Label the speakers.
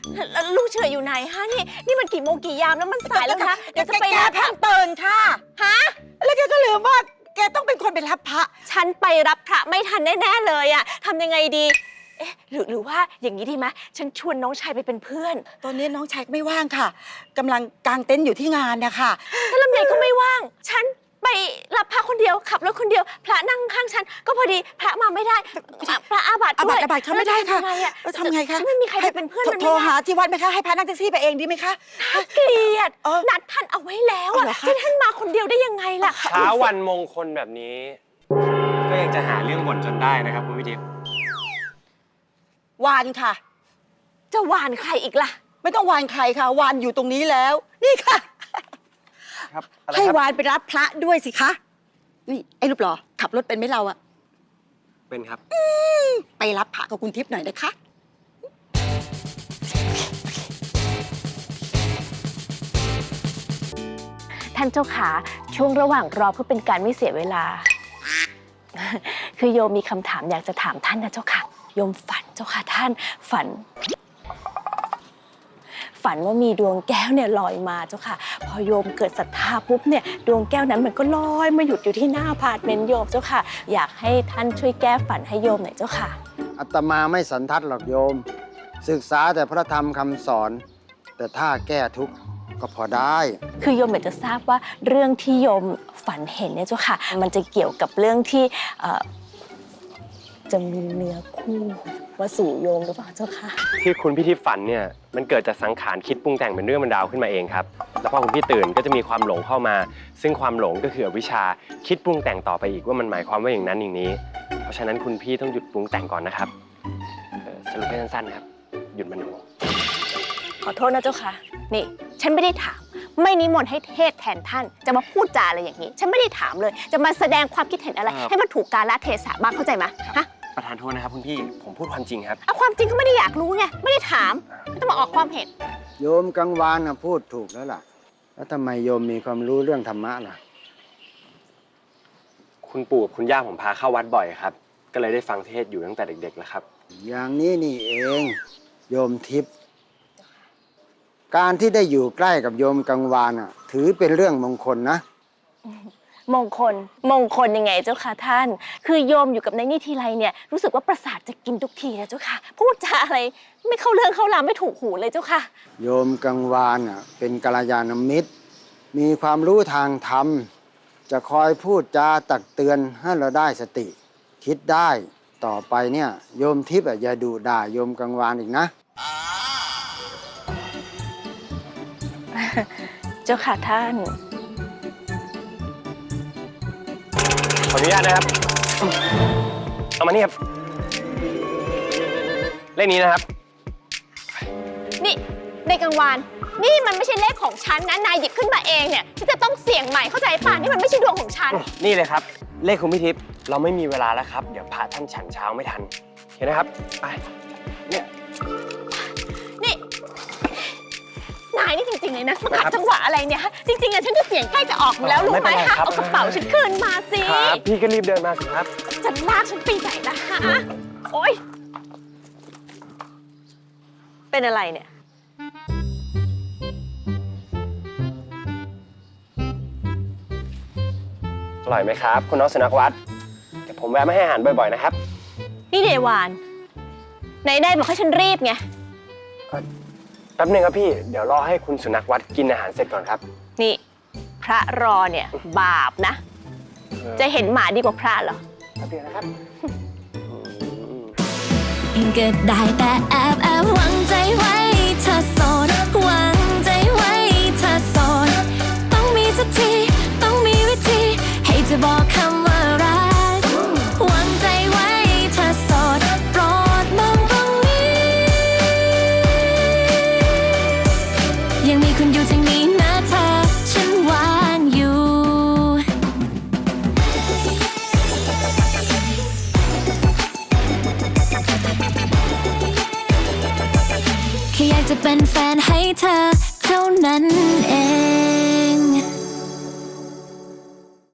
Speaker 1: แล้วลูกเฉยอยู่ไหนฮะนี่มันกี่โมงกี่ยามแล้วมันสายแล้วนะเดี๋ยวจะไปรับ
Speaker 2: แกเพิ่งตื่นค่ะฮะแล้วแกก็ลืมว่าแกต้องเป็นคนไปรับพระ
Speaker 1: ฉันไปรับพระไม่ทันแน่ๆเลยอะทำยังไงดีเอ๊ะหรือว่าอย่างนี้ดีไหมฉันชวนน้องชายไปเป็นเพื่อน
Speaker 2: ตอนนี้น้องชายไม่ว่างค่ะกำลังกางเต็นท์อยู่ที่งานนะคะ
Speaker 1: ถ้าลำไยก็ไม่ว่าง ฉันไปรับพระคนเดียวขับรถคนเดียวพระนั่งข้างฉันก็พอดีพระมาไม่ได้พระอาบัติด้วย
Speaker 2: อาบัติเขาไม่ได้ค่ะ
Speaker 1: ทำไงคะไม่มีใครไปเป็นเพื่อนมัน
Speaker 2: โทรหาที่วัดไหมคะให้พระนั่งแท็กซี่ไปเองดีไหมคะ
Speaker 1: เกลียดนัดท่านเอาไว้แล้วอะที่ท่านมาคนเดียวได้ยังไงล่ะ
Speaker 3: เช้าวันมงคลแบบนี้ ก็ยังจะหาเรื่องบ่นจนได้นะครับคุณพิทิพย์
Speaker 2: วานค่ะ
Speaker 1: จะหวานใครอีกล่ะ
Speaker 2: ไม่ต้องวานใครค่ะวานอยู่ตรงนี้แล้ว นี่ค่ะ
Speaker 3: ครับ
Speaker 2: ให้วานไปรับพระด้วยสิคะนี่ไอ้รูปหล่อขับรถเป็นไหมเราอะ
Speaker 3: เป็นครับ
Speaker 2: ไปรับพระกับคุณทิพย์หน่อยนะคะ
Speaker 1: ท่านเจ้าขาช่วงระหว่างรอเพื่อเป็นการไม่เสียเวลา คือโยมมีคำถามอยากจะถามท่านนะเจ้าค่ะโยมฝันเจ้าค่ะท่านฝันว่ามีดวงแก้วเนี่ยลอยมาเจ้าค่ะพอโยมเกิดศรัทธาปุ๊บเนี่ยดวงแก้วนั้นมันก็ลอยมาหยุดอยู่ที่หน้าอพาร์ตเมนต์โยมเจ้าค่ะอยากให้ท่านช่วยแก้ฝันให้โยมหน่อยเจ้าค่ะ
Speaker 4: อาตมาไม่สันทัดหรอกโยม ศึกษาแต่พระธรรมคำสอน แต่ถ้าแก้ทุกข์ก็พอได้
Speaker 1: คือโยมอยากจะทราบว่าเรื่องที่โยมฝันเห็นเนี่ยเจ้าค่ะมันจะเกี่ยวกับเรื่องที่จะมีเนื้อคู่มาสู่โยมหรือเปล่าเจ้าค่ะ
Speaker 3: ที่คุณพิทิพย์ฝันเนี่ยมันเกิดจากสังขารคิดปรุงแต่งเป็นเรื่องเป็นราวขึ้นมาเองครับแล้วพอคุณพี่ตื่นก็จะมีความหลงเข้ามา ซึ่งความหลงก็คืออวิชชาคิดปรุงแต่งต่อไปอีกว่ามันหมายความว่าอย่างนั้นอย่างนี้ เพราะฉะนั้นคุณพี่ต้องหยุดปรุงแต่งก่อนนะครับสรุปให้สั้นๆครับหยุดมโน
Speaker 1: ขอโทษนะเจ้าค่ะนี่ฉันไม่ได้ถามไม่นิมนต์ให้เทศแทนท่านจะมาพูดจาอะไรอย่างนี้ฉันไม่ได้ถามเลยจะมาแสดงความคิดเห็นอะไรให้มันถูกกาลเทศะบ้างเข้าใจไหมฮะ
Speaker 3: ประธานโทษนะครับคุณพี่ผมพูดความจริงครับ
Speaker 1: เอาความจริงก็ไม่ได้อยากรู้ไงไม่ได้ถามไม่ต้องมาออกความเห็น
Speaker 4: โยมกังวานนะพูดถูกแล้วล่ะ แล้วทำไมโยมมีความรู้เรื่องธรรมะล่ะ
Speaker 3: คุณปู่กับคุณย่าผมพาเข้าวัดบ่อยครับก็เลยได้ฟังเทศอยู่ตั้งแต่เด็กๆแล้วครับ
Speaker 4: อย่างนี้นี่เอง โยมทิพย์การที่ได้อยู่ใกล้กับโยมกังวานอ่ะถือเป็นเรื่องมงคลนะ
Speaker 1: มงคลยังไงเจ้าค่ะท่านคือโยมอยู่กับในนี่ทีไรเนี่ยรู้สึกว่าประสาทจะกินทุกทีนะเจ้าค่ะพูดจาอะไรไม่เข้าเรื่องเข้าราวไม่ถูกหูเลยเจ้าค่ะ
Speaker 4: โยมกังวานอ่ะเป็นกัลยาณมิตร มีความรู้ทางธรรม จะคอยพูดจาตักเตือนให้เราได้สติ คิดได้ต่อไปเนี่ยโยมทิพย์อย่าดุด่าโยมกังวานอีกนะ
Speaker 1: เจ้าค่ะท่าน
Speaker 3: ขออนุญาตนะครับเอามานี่ครับเลขนี้นะครับ
Speaker 1: นี่ในกลางวานนี่มันไม่ใช่เลขของฉันนะนายหยิบขึ้นมาเองเนี่ยฉันจะต้องเสี่ยงใหม่เข้าใจป่ะนี่มันไม่ใช่ดวงของฉัน
Speaker 3: นี่เลยครับเลขคุณพิทิพย์เราไม่มีเวลาแล้วครับเดี๋ยวพระท่านฉันเช้าไม่ทันเห็นนะครับไปเนี่ย
Speaker 1: นี่นายนี่จริงๆเลยนะมาขัดจังหวะอะไรเนี่ยฮะจริงๆอะฉันจะเสี่ยงใกล้จะออกอยู่แล้วรู้ไหมคะเอากระเป๋าฉันคืนมาสิ
Speaker 3: ครับพี่ก็รีบเดินมาสิครับ
Speaker 1: จะลากฉันไปไหนล่ะฮะโอ๊ยเป็นอะไรเนี่ย
Speaker 3: อร่อยไหมครับคุณน้องสุนัขวัดเดี๋ยวผมแวะมาให้อาหารบ่อยๆนะครับ
Speaker 1: นี่เดวานไหนได้บอกให้ฉันรีบไง
Speaker 3: แป๊บนึงครับพี่เดี๋ยวรอให้คุณสุนัขวัดกินอาหารเสร็จก่อนครับ
Speaker 1: นี่พระรอเนี่ยบาปนะจะเห็นหมาดีกว่าพระเหรอ
Speaker 3: แป๊บเดียวนะครับ
Speaker 5: ก็ได้แต่แอบหวังใจไว้เธอโสดหวังใจไว้เธอโสดต้องมีสักทีต้องมีวิธีให้จะบอกคำว่ารักหวังใจไว้เธอโสดโปรดมองตรงนี้ยังมีคุณอยู่ทางนี้นะเธอฉันวางอยู่แค่อยากจะเป็นแฟนให้เธอเท่านั้นเอง